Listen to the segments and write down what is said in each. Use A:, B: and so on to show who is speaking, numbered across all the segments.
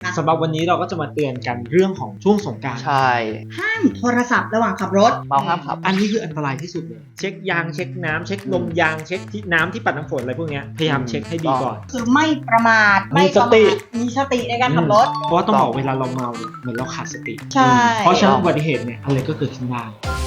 A: สำหรับวันนี้เราก็จะมาเตือนกันเรื่องของช่วงสงกรานต์
B: ใช่
C: ห้ามโทรศัพท์ระหว่างขับรถ
B: เมาห้ามขับ
A: อันนี้คืออันตรายที่สุดเลยเช็คยางเช็คน้ำเช็คลมยางเช็คที่น้ำที่ปัดน้ำฝนอะไรพวกเนี้ยพยายามเช็คให้ดีก่อน
C: คือไม่ประมาท
A: มีสติ
C: มีสติในการขับรถ
A: เพราะว่าต้องบอกเวลาเราเมาเนี่ยเหมือนเราขาดสติ
C: ใช่
A: เพราะฉะนั้นอุบัติเหตุเนี่ยอะไรก็เกิดขึ้นได้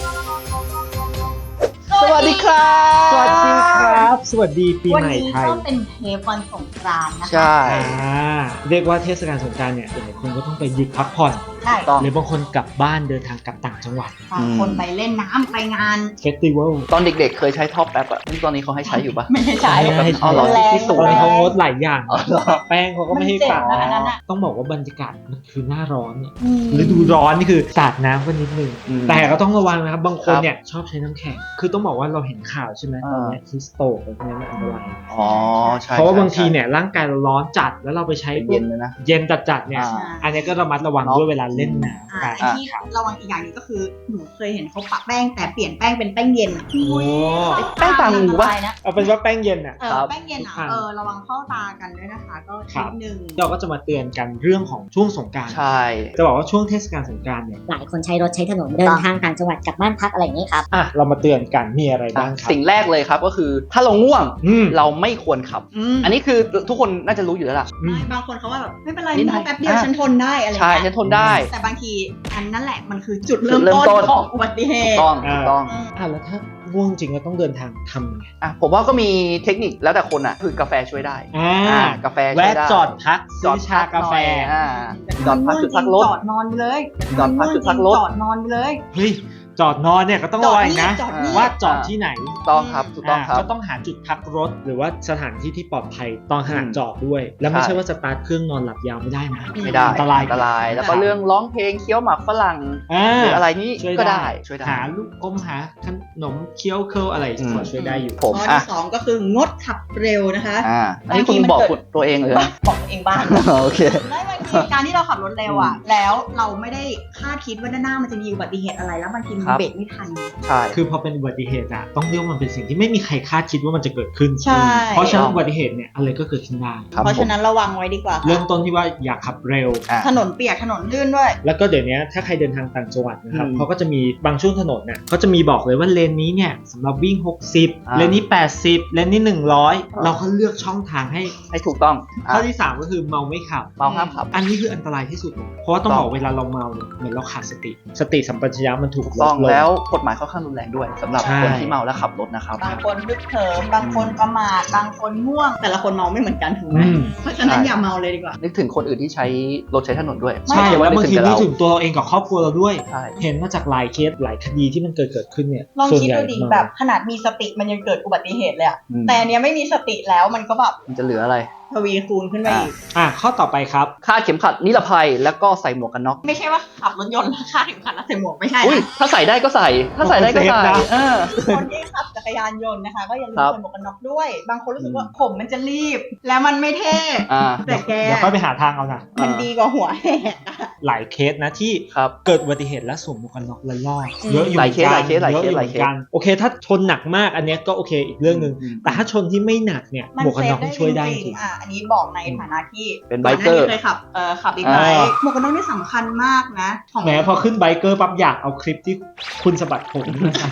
B: สวัสดีครับ
A: สวัสดีครับ สวัสดีปี
C: วัน
A: ใหม่
C: นี้
A: ไทย
C: ก็เป็นเทปวันสงกรานต์นะคะ
B: ใช่
A: เรียกว่าเทศกาลสงกรานต์เนี่ยหลายคนก็ต้องไปหยุดพักผ่อน
C: ใช่
B: ต้อง
A: หรือบางคนกลับบ้านเดินทางกลับต่างจังหวัด
C: บางคนไปเล่นน้ำไปงาน
A: เฟสติวัล
B: ตอนเด็กๆเคยใช้ท็อปแอปอะนี่ตอนนี้เขาให้ใช้อยู่ปะ
C: ไม่ให้ใช้
A: ไม่ให้ใช้
B: อ๋อเหรอ
C: แรง
B: ที่
A: ต
B: สู
A: อง นนี้เขางดหลายอย่าง
B: อ๋อเหรอ
A: แป้งเขาก็ไม่ให้
C: มันเจ็บ
A: ฝาก
C: นะอันนั้นอะ
A: ต้องบอกว่าบรรยากาศมันคือหน้าร้อนเนี่ย
C: อืม
A: ฤดูร้อนนี่คือสาดน้ำกันนิดนึง
B: อืม
A: แต่ก็ต้องระวังนะครับบางคน
B: ครับ
A: เนี่ยชอบใช้น้ำแข็งคือต้องบอกว่าเราเห็นข่าวใช่ไหมตอนเนี้ฮิสโตกอะไรพวกนี้มันอันตราย
B: อ๋อใช่
A: เพราะว่า
B: ใช่
A: บางทีเนี่ยร่างกายเราร้อนจัดแล้วเราไปใช้
B: เป็นเย็นเลยนะ
A: เย็นจัดๆเนี่ย
B: อ่า
A: อันนี้ก็ระมัดระวัง
B: เนาะ
A: ด้วยเวลาเล่นน้ำ
C: ไอ้ที่ระวังอีกอย่างหนึงก็คือหนูเคยเห็นเขาปะแป้งแต่เปลี่ยนแป้งเป็นแป้งเย็นอะ
A: โอ้
B: แป้งต่างหูปะ
C: นะ
A: เอาเป็นว่าแป้งเย็นอ่ะ
C: แป้งเย็นอ่ะระวังเข้าตากันด้วยนะคะก็
A: ครั
C: นิ
A: บ
C: ดนึง
A: เราก็จะมาเตือนกันเรื่องของช่วงสงกรานต์
B: ใช่
A: จะบอกว่าช่วงเทศกาลสงกรานต์เนี่ย
D: หลายคนใช้รถใช้ถนนเดินทางต่างจังหวัดกลับบ้านพักอะไรอย่างนี้ครับ
A: อ่ะเรามาเตือนกันมีอะไรบ้างครับ
B: สิ่งแรกเลยครับก็คือถ้าเราง่วง
A: อืม
B: เราไม่ควรขับ อันนี้คือทุกคนน่าจะรู้อยู่แล้วล่ะ
A: อืม
C: บางคนเขาว่าแบบไม่เป็นไร
B: นิดหน่
C: ม
B: อ
C: อย งแป๊บเดียวฉันทนได้อะไร
B: ใช่
C: เงี้ย
B: ฉันทนได้
C: แต่บางทีอันนั่นแหละมันคือจุดเริ่ม
B: จุดเริ่มต้
C: ต้
B: น
C: นของอุบัติเห
B: ถูก
C: ตุ
B: ต้องถูกต้อง
C: อืม
A: อ่ะแล้วถ้าง่วงจริงเราต้องเดินทางทำยังไง
B: อ่ะผมว่าก็มีเทคนิคแล้วแต่คนอ่ะคือกาแฟช่วยได้ กาแฟช่วย
A: แวะ
B: ได้
A: จอดพักซื้อชากาแฟ
B: อ่าจอดพักจุดพักรถ
C: จอดนอนไปเลย
B: จอดพักจุดพักรถ
C: จอดนอนไปเลย
A: เฮ้ยจอดนอนเนี่ยก็ต้องระวังนะ
C: จอดนี่
A: ว่าจอดที่ไหน
B: ถูกต้องครับถูกต้องครับ
A: ก็ต้องหาจุดพักรถหรือว่าสถานที่ที่ปลอดภัยตอนขณะ
B: อืม
A: จอดด้วย แล้วไม่
B: ใช่
A: ใช่ว่าสตาร์ทเครื่องนอนหลับยาวไม่ได้นะ
B: ไม่ได้
A: อันตราย
B: อันตราย แล้วก็เรื่องร้องเพลงเคี้ยวหมากฝรั่ง
A: อ่า
B: หรืออะไรนี้
A: ช่วย
B: ก็
A: ได้
B: ได้ช่วยได้
A: หาลูกอมหาขนมเคี้ยวเคิลอะไร
B: อืม
A: พอช่วยได้อยู่
B: ผม
C: ข้อ
B: อ่ะ
C: ที่สองก็คืองดขับเร็วนะคะ
B: อันนี้คุณบอกตัวเองเลยนะ
C: บอกตัวเองบ้าง
B: โอเค
C: ไม่บางทีการที่เราขับรถเร็วอ่ะ แล้วเราไม่ได้คาดคิดว่าด้านหน้ามันจะมีอุบัติเหตุอะไรแล้วบางทีมัน
B: ครับ
C: เบรกไม่ทัน
B: ใช่
A: คือพอเป็นอุบัติเหตุอะต้องเรียกว่ามันเป็นสิ่งที่ไม่มีใครคาดคิดว่ามันจะเกิดขึ้น
C: ใช่
A: เพราะฉะนั้นอุบัติเหตุเนี่ยอะไรก็เกิดขึ้นได้
B: ครับ
C: เพราะฉะนั้นระวังไว้ดีกว่าค่ะ
A: เริ่มต้นที่ว่าอย่าขับเร็ว
B: อ่ะ
C: ถนนเปียกถนนลื่นด้วย
A: แล้วก็เดี๋ยวนี้ถ้าใครเดินทางต่างจังหวัดนะครับ
B: อืม
A: เขาก็จะมีบางช่วงถนนเนี่ยเขาจะมีบอกเลยว่าเลนนี้เนี่ยสำหรับวิ่ง 60 เลนนี้ 80 เลนนี้ 100 เราก็เลือกช่องทางให้
B: ให้ถูกต้อง
A: ข้อที่ 3 ก็คือเมาไม่ขับ
B: เมาห้ามขับ
A: อันนี้คืออันตรายที่สุดเลยเพราะว่าต้องบอกเวลาเราเมาเนี่ยเหมือนเราขาดสติ สติสัมปชัญญะมันถูก
B: ถูก
A: ล
B: ต้อ
A: ด
B: ง
A: ลง
B: แล้วกฎหมายค่อนข้างรุนแรงด้วยสำหรับ
A: ใช่
B: คนที่เมาแล้วขับรถนะครับ
C: บางคนฮึกเหิมบางคนประมาทบางคนง่วง แต่ละคนเมาไม่เหมือนกันถูกไหม
A: อืม
C: เพราะฉะนั้น
B: ใช่
C: อย่าเมาเลยดีกว่า
B: นึกถึงคนอื่นที่ใช้รถใช้ถนนด้วย
A: ใช่
B: อย่
A: แล้วบางที
B: แต่
A: นึก
B: เรา
A: ถึงตัวเราเองกับครอบครัวเราด้วย
B: ใช่
A: เห็นมาจากหลายเคสหลายคดีที่มันเกิดขึ้นเนี่ย
C: ลอง
A: ส่วน
C: คิด
A: ใหญ่
C: ดูดิแบบขนาดมีสติมันยังเกิดอุบัติเหตุเลยอะ
B: อืม
C: แต่อันเนี้ยไม่มีสติแล้วมันก็แบบ
B: มันจะเหลืออะไร
C: ทวีคูณขึ้นไปอีก
A: ข้อต่อไปครับ
B: คาดเข็มขัดนิรภัยแล้วก็ใส่หมวกกันน็อก
C: ไม่ใช่ว่าขับรถยนต์แล้วคาดถึงขัดแล้วใส่หมวกไม่ใช่
B: อุ้ย
C: นะ
B: ถ้าใส่ได้ก็ใส่ ถ้าใส่ได้ก็ใส่
A: เซฟนะ
C: คนที่ขับจักรยานยนต์นะคะ ก็อย่าลืม
B: ครับ
C: ใส่หมวกกันน็อกด้วย บางคนรู้สึกว่าผมมันจะรีบ แล้วมันไม่เท่
B: อ่า
C: แต่แก
A: เดี๋ยวค่อยไปหาทางเอานะ
C: มันดีกว่าหัวแหกอะ
A: หลายเคสนะที่
B: ครับ
A: เกิดอุบัติเหตุและสวมหมวกกันน็อกและรอด
C: อืม
A: เยอะอยู่
B: หลายเคส
A: หมือนกัน
B: หลายเคสหลายเคส
A: ยอะอยู่
B: หลายเคส
A: มือนกันโอเค ถ้าชนหนักมากอันเนี้ยก็โอเคอีกเรื่องหนึ่ง
B: อืม
A: แต่ถ้าชนที่ไม่หนักเนี่ย
C: มัน
A: หมวกกัน
C: เซ
A: น็
C: ฟ
A: อก
C: ได้
A: มัน
C: จ
A: ช่วยได้
C: ริ
A: จ
C: ง
A: ริง
C: ๆอันนี้บอกในฐานะที่
B: เป็นไบเกอร์
C: ก่นหน้านี้เคยขับบิ๊กไบค์หมวกกันน็อกนี่สำคัญมากนะของ
A: แหมพอขึ้นไบเกอร์ปั๊บอยากเอาคลิปที่คุณสะบัดผมนะครับ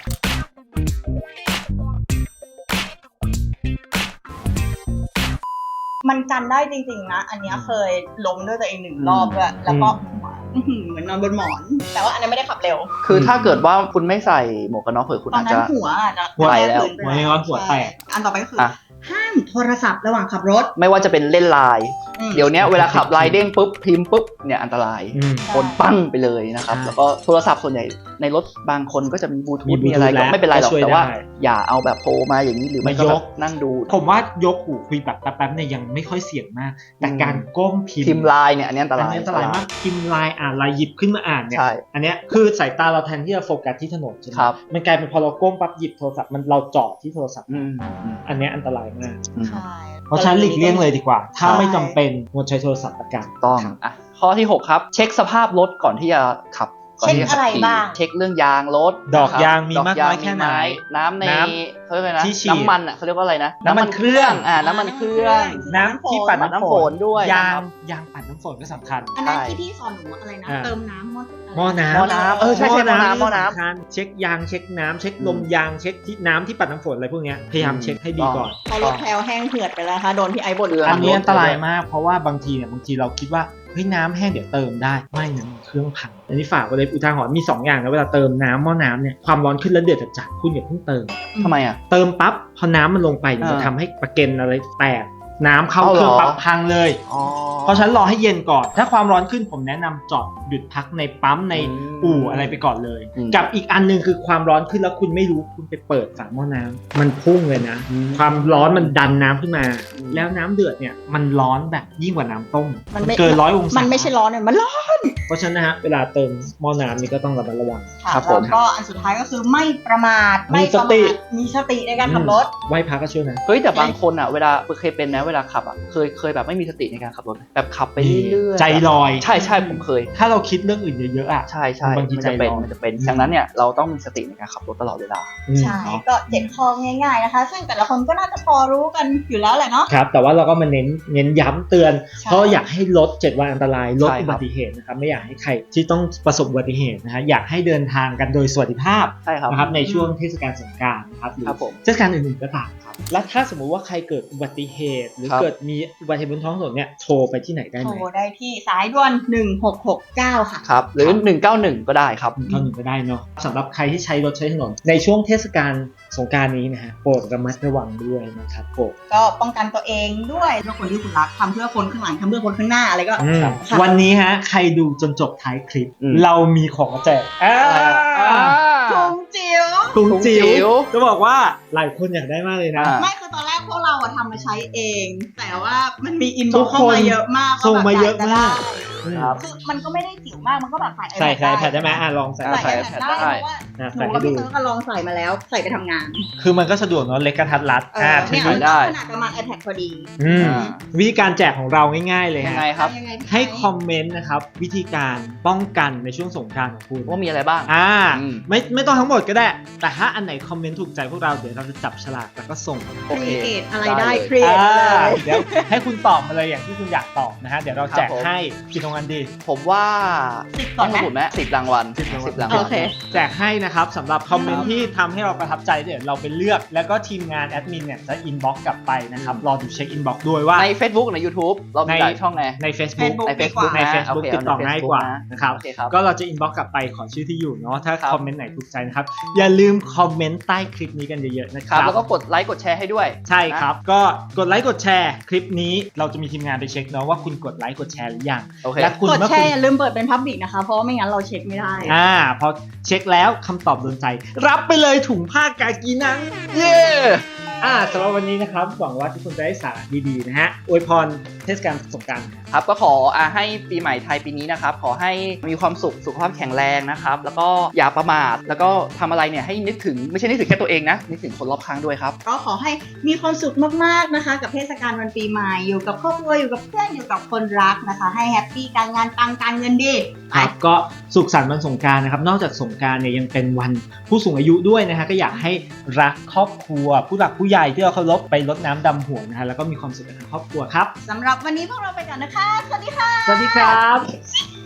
C: มันกันได้จริงๆนะ อันเนี้ยเคยล้มด้วยตัวเอง1 รอบด้วยแล้วก็เหมือนนอนบนหมอน แต่ว่าอันนั้นไม่ได้ขับเร็ว
B: คือถ้าเกิดว่าคุณไม่ใส่หมวกกันน็อกเผื่อคุณ
C: ตอน
B: อาจ
C: นั้
B: จะ
C: นหัวอาจจะ
B: หัวไปแล้ว
C: พื้นไป
A: หัวยังร้อนหัวแตก
C: ใช่อันต่อไปก็คืออะ ห้ามโทรศัพท์ระหว่างขับรถ
B: ไม่ว่าจะเป็นเล่นไลน์
C: อืม
B: เดี๋ยวเนี้ยเวลาขับไลน์เด้งปุ๊บพิมพ์ปุ๊บเนี่ยอันตราย
A: อืม
B: คนปั้งไปเลยนะครับ
A: ใช่
B: แล้วก็โทรศัพท์ส่วนใหญ่ในรถบางคนก็จะมีบลูทู
A: มี
B: ธ
A: Bluetooth
B: มีอะไรก็
A: แล้ว
B: ไม่เป็นไรหรอก
A: ก็ช่วย
B: แต่ว่า
A: ได้
B: อย่าเอาแบบโทรมาอย่างนี้หรือไม่ก็
A: มาย
B: แบ
A: ก
B: บนั่งดู
A: ผมว่ายกหูคุยแบบแป๊บๆเนี่ยยังไม่ค่อยเสี่ยงมาก แต่การก้มพิ
B: พิ
A: ม
B: ม
A: พ์
B: พ์ไลน์เนี่ยอันนี้อันต
A: อัน
B: ราย
A: นี้อันตรายมากพิมพ์ไลน์อ่านไลน์หยิบขึ้นมาอ่านเนี่ย
B: ใช่
A: อันเนี้ยคือสายตาเราแทนที่จะโฟกัสที่ถนนใช่ไหม
B: ครับ
A: มันกลายเป็นพอเราก้มปั๊บหยิบโทรศัพท์มันเราจ่อที่โทรศัพท์
B: อืม
A: อันเนี้ยอันตรายมาก
B: อืม
C: ใช่
A: เพราะฉะนั้นหลีกเลี่ยงเลยดีกว่า ถ้า
C: ใช่
A: ไม่จำเป็นงดใช้โทรศัพท์ละกัน
B: ต้องอ่ะข้อที่ 6 ครับ เช็คสภาพรถก่อนที่จะขับก่อน
C: เช็ค
B: ที่จ
C: อะไร
B: ขัขี่
C: บ้าง
B: เช็คเรื่องยางรถ
A: ดอก
B: นะครับ
A: ยางมีมากน้อย
B: ด
A: แค่ไหน
B: น้ำใน
A: น้
B: เขาเรียกอะไรนะ
A: ที่ฉีด
B: น้ำมันอ่ะเขาเรียกว่าอะไรนะ
A: น้ำมันเครื่อง
B: น้ำมันเครื่อง
A: น้ำที่ปัด
B: ปัดน้ำฝนด้วย
A: ยาง
B: นะครับ
A: ยางปัดน้ำฝนก็สำคัญ
C: อันนั้น
B: ใช่
C: ที่พี่สอนหนูอะไรนะ
A: อ่า
C: เติมน้ำ
A: หม้อน้ำ
B: หม้อน้ำใช่หม้อน้ำ
A: สำคัญเช็คยางเช็คน้ำเช็คลมยางเช็คที่น้ำที่ปัดน้ำฝนอะไรพวกเนี้ยพยายามเช็คให้ดีก่อน
C: พอรถแพลวแห้งเหือดไปแล้วค่ะโดนพี่ไอ้บ่น
B: อั
A: อันนี้
B: รถ
A: อันตรายมากเพราะว่าบางทีเราคิดว่าเฮ้ยน้ำแห้งเดี๋ยวเติมได้ไม่นะมันเครื่องพังอันนี้ฝากไว้เลยอุทาหรณ์มี2อย่างนะเวลาเติมน้ำหม้อน้ำเนี่ยความร้อนขึ้นแล้วเดือดจัดๆคุณอย่าเพิ่งเติม
B: ทำไมอ่ะ
A: เติมปั๊บพอน้ำมันลงไปเนี่ยมัน
B: อ่า
A: ทำให้ประเก็นอะไรแตกน้ำเข้า
B: เอา
A: เค
B: เหรอ
A: รื่องปั๊บพังเลย
B: อ๋อ
A: เพราะฉะนันรอให้เย็นก่อน ถ้าความร้อนขึ้นผมแนะนำจอดหยุดพักในปั๊มใน
B: อืม
A: อู่อะไรไปก่อนเลย
B: อืม
A: กับอีกอันหนึงคือความร้อนขึ้นแล้วคุณไม่รู้คุณไปเปิดฝาหม้อน้ำมันพุ่งเลยนะ ความร้อนมันดันน้ำขึ้นมา แล้วน้ำเดือดเนี่ยมันร้อนแบบยิ่งกว่าน้ำต้ม
C: มันไม่
A: เกิน100 องศา
C: มันไม่ใช่ร้อนเนี่ยมันร้อน
A: เพราะฉะนั้นนะฮะเวลาเติมหม้อน้ำนี่ก็ต้องระมัดระวัง
C: ค่ะ
B: ครับผม
C: แล้วก็อันสุดท้ายก็คือไม่ประมาท
A: มี
C: ไม่ประ
A: สติ
C: มาทมีสติในการขับรถ
A: ไหว้พระก็ช่วยนะ
B: เฮ้ยแต่บางคนอ่ะเวลาเคยเป็นนะเวลาขับอ่ะเคยแบบไม่มีสติในการขับรถแบบขับไปเรื่อยๆ
A: ใจลอย
B: ใช่ผมเคย
A: ถ้าเราคิดเรื่องอื่นเยอะๆอ่ะ
B: ใช่
A: บางที
B: มันจะเป็น
A: ใจร้อน
B: มันจะเป็นดังนั้นเนี่ยเราต้องมีสติในการขับรถตลอดเวลา
C: ใช่ก็7ข้อง่ายๆนะคะ ซึ่งแต่ละคนก็น่าจะพอรู้กันอยู่แล้วแหละเนาะ
A: ครับแต่ว่าเราก็มาเน้นย้ำเตือน
C: ใช่
A: เพราะอยากให้ลด7 วันอันตรายลด
B: ใช่ครับ
A: อุบัติเหตุนะครับไม่อยากให้ใครที่ต้องประสบอุบัติเหตุนะฮะอยากให้เดินทางกันโดยสวัสดิภาพ
B: ใช่ครับ
A: นะครับในช่วงเทศกาลสงกรานต์นะครับหรือ
B: ครับผม
A: เทศกาลอื่นๆก็ตามครับและถ้าสมมุติว่าใครเกิดอุบัติเหตุ หรือ
B: ครับ
A: เกิดมีอุบัติเหตุบนท้องถนนเนี่ยโทรไปที่ไหนได้
C: โท
A: ไหม
C: รได้ที่สายด่วน1669 ค่ะ
B: ครับหรือ 191 ก็ได้ครับ
A: เข้าหนึ่งก็ได้เนาะสำหรับใครที่ใช้รถใช้ถนนในช่วงเทศกาลสงกรานต์นี้นะฮะโปรดระมัดระวังด้วยนะครับผม
C: ก็ป้องกันตัวเองด้วยเพื่อคนที่คุณรักทำเพื่อคนข้างหลังทำเพื่อคนข้างหน้าอะไรก็
A: ครับ
C: ค่ะ
A: วันนี้ฮะใครดูจนจบท้ายคลิป
B: อืม
A: เรามีของมาแจก
C: ถุงจิ๋ว
A: ถุงจิ๋
B: ถุงจิ๋
A: ว
B: ว
A: จะบอกว่าหลายคนอยากได้มากเลยนะ
B: อ่า
C: ไม่คือตอนแรกพวกเราอะทำมาใช้เอง แต่ว่ามันมีอิน
A: ทุ
C: บ็อก
A: ก
C: เข้า
A: คน
C: มาเยอะมาก
A: ส่งมาเยอะมาก
B: ครับ
C: คือมันก็ไม่ได้จิ๋วมากมันก็แบบใส่
A: ใส่
C: iPad
A: แพดได้ไหมลองใส่
B: อ่า
C: ใส่
B: ใส่
C: iPad ได้
B: ได้
C: เพราะว่า
A: อ่ะ
C: หนู
A: ใส่
C: กับ
A: ให้ดู
C: พี่เติร์กก็ลองใส่มาแล้วใส่ไปทำงาน
A: คือมันก็สะดวกเนาะเล็กกระทัดรัด
C: เนี่ย
A: ถือ
C: มัน
B: ได้
C: ขนาดประมาณ iPad พอดี
A: อืม
B: อ่า
A: วิธีการแจกของเราง่ายๆเลย
B: ยัง
A: ฮะ
B: ไงครับ
C: ยังไง
A: ให้คอมเมนต์นะครับวิธีการป้องกันในช่วงสงกรานต์ของคุณ
B: ว่ามีอะไรบ้าง
A: อืมไม่ต้องทั้งหมดก็ได้ แต่ถ้าอันไหนคอมเมนต์ถูกใจพวกเราเดี๋ยวเราจะจับฉลากแล้วก็ส่ง
B: โอเค
C: ครีเอทอะไร
B: ได้
C: ได้
B: เลย
C: ครีเอทเลย
A: เดี๋ยวให้คุณตอบมาเลยอย่างที่คุณอยากตอบนะฮะเดี๋ยวเราแจก
B: ครับผม
A: ให้กี่รางวัลดี
B: ผมว่า
C: 10 ก่อนไหม
B: สมุดไหม10 รางวัล
A: 10 รางวัล
B: 10 รางวัล
C: โอเค
A: แจกให้นะครับสำหรับคอมเมน
B: ครั
A: ต์
B: บ
A: ที่ทำให้เราประทับใจเดี๋ยวเราไปเลือก แล้วก็ทีมงานแอดมินเนี่ยจะอินบ็อกกลับไปนะครับรอดูเช็คอินบ็อกด้วยว่า
B: ใน Facebook ใน YouTube เรามีหลายช่องไง
A: ใน Facebook
C: ใน
B: Facebook
A: ใน
B: นะ
A: Facebook
B: โอเค
A: ติดต่อ
B: เอาใน
A: ง่ายกว่า
B: Facebook นะ
A: นะครับ
B: โอเคครับ
A: ก็เราจะอินบ็อกกลับไปขอชื่อที่อยู่เนาะถ้า
B: ครับ
A: คอมเมนต์ไหนถูกใจนะครับอย่าลืมคอมเมนต์ใต้คลิปนี้กันเยอะๆนะค
B: ค
A: รั
B: รับ บแล้วก็กดไลค์กดแชร์ให้ด้วย
A: ใช่ครับก็กดไลค์กดแชร์คลิปนี้เราจะมีทีมงานไปเช็คเนาะว่าคุณกดไลค์กดแชร์หรือยัง
B: โอเค
A: และคุณ
C: กด
A: เมื่อ
C: แช
A: คุณ
C: ร์อย่าลืมเปิดเป็นพับบิกนะคะ เพราะว่าไม่งั้นเราเช็คไม่ได้
A: พอเช็คแล้วคำตอบโดนใจ รับไปเลยถุงผ้ากากีนัง
B: เย้
A: สำหรับวันนี้นะครับหวังว่าทุกคนจะได้สาระดีๆนะฮะอวยพรเทศกาลสงกรานต์
B: ครับก็ขอให้ปีใหม่ไทยปีนี้นะครับขอให้มีความสุขสุขภาพแข็งแรงนะครับแล้วก็อย่าประมาทแล้วก็ทำอะไรเนี่ยให้นึกถึงไม่ใช่นึกถึงแค่ตัวเองนะนึกถึงคนรอบข้างด้วยครับ
C: ก็ขอให้มีความสุขมากๆนะคะ กับเทศกาลวันปีใหม่อยู่กับครอบครัวอยู่กับเพื่อนอยู่กับคนรักนะคะ ให้แฮปปี้การงานปังการเงินดี
A: ครับก็สุขสันต์วันสงกรานต์นะครับนอกจากสงกรานต์เนี่ยยังเป็นวันผู้สูงอายุด้วยนะฮะก็อยากให้รักครอบครัวผู้หลักผู้ใหญ่ที่เราเคารพไปรดน้ำดำหัวนะฮะแล้วก็มีความสุขกับทางครอบครัวครับ
C: สำหรับวันนี้พวกเราไปก่อนนะคะ สวัสดีค่ะ
A: สวัสดีครับ